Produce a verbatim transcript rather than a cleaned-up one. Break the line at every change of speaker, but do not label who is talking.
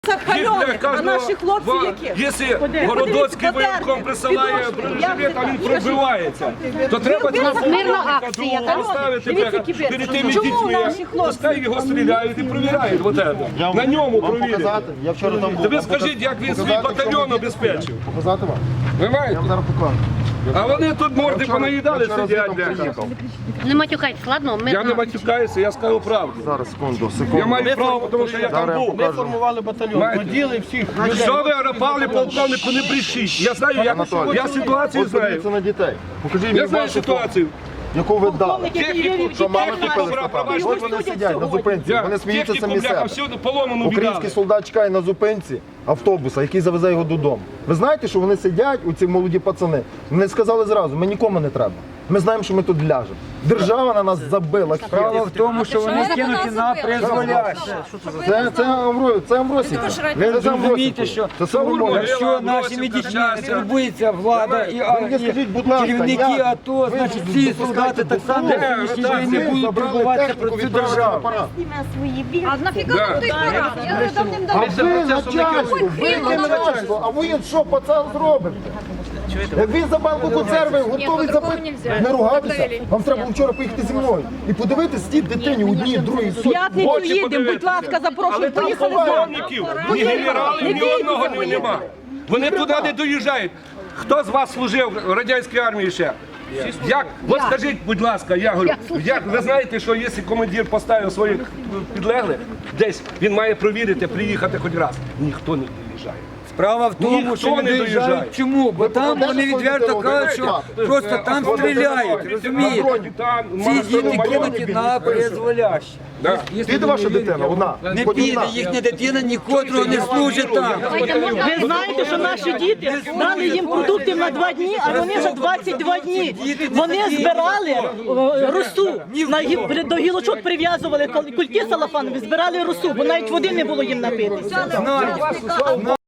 Пальоних, а наші хлопці які?
Якщо Городоцький воєнком присилає бронежилет, а він пробивається, то треба поставити перед тими дітьми, пускай його стріляють і перевіряють. На ньому провірять. Ви скажіть, як він свій батальйон обезпечив.
Показати вам?
Ви маєте?
Я вам зараз покажу.
А вони тут морди понаїдали, сидять.
Не матюкайтесь, ладно? Ми
Я не матюкаюся, я скажу правду.
Зараз, секунду, секунду.
Я маю право, тому що я там був.
Ми формували батальйон, поділи всіх.
Що ви рапали, полковнику, не брешіть. Я знаю, як я ситуацію
От подивіться
знаю.
на дітей. Покажіть мені
Я знаю
вашу
ситуацію.
фото, яку ви дали.
Техніку,
Що мами
техніку,
купили
бра,
стопами.
пробачте,
От вони сидять на зупинці, вони сміються
техніку,
самі
бляха,
себе.
всюди поломану віддали.
Український солдат чекає на зупинці автобуса, який завезе його додому. Ви знаєте, що вони сидять, у ці молоді пацани, вони сказали зразу, ми нікому не треба. Ми знаємо, що ми тут ляжемо. Держава на нас забила.
Справа в тому, що вони кинуті на призволяще.
Це, це, Амбро- це Амбросівка.
Ви
Це
розумієте,
Амбросівка.
що
Це Савурмова.
якщо нашими дітьми не турбується влада і, а,
мені скажіть, будь ласка,
і керівники
як
АТО,
ви
значить ці солдати так само
Де?
на сьогоднішній день не будуть
Забрали
турбуватися про
техніку,
цю
відправили
державу.
апарат.
А нафіга
Да.
вам той парад? Я вже
А
давним-давно.
ви начальство, ви не начальство, а ви що, пацан, зробите? Як він за банку консерви готовий запити, не ругатися, вам треба було вчора поїхати зі мною і подивитися ті дитині одній, другій, сотні.
П'ятницю
Очі
їдемо, будь
подивитися.
ласка, запрошую,
Але там
поїхали з нами.
полковників, ні генералів, ні одного ні- нема. Вони туди не доїжджають. Хто з вас служив в радянській армії ще? Як? От скажіть, будь ласка, я говорю, як ви знаєте, що якщо командир поставив своїх підлеглих, десь він має провірити, приїхати хоч раз. Ніхто не доїжджає.
Справа в тому,
Ніхто
що
не
не
доїжджає.
доїжджають. Чому? Бо там вони відверто кажуть, що просто там стріляють, розумієте? Ці діти кинуті на призволяще.
Піде ваша дитина, одна.
Не
Хоч
піде
одна.
їхня дитина, нікотрого не служить там.
Ви знаєте, що наші діти дали їм продуктів на два дні, а вони вже двадцять два дні. Вони збирали е, росу, на гі- до гілочок прив'язували кульки салафанові, збирали росу, бо навіть води не було їм напитися.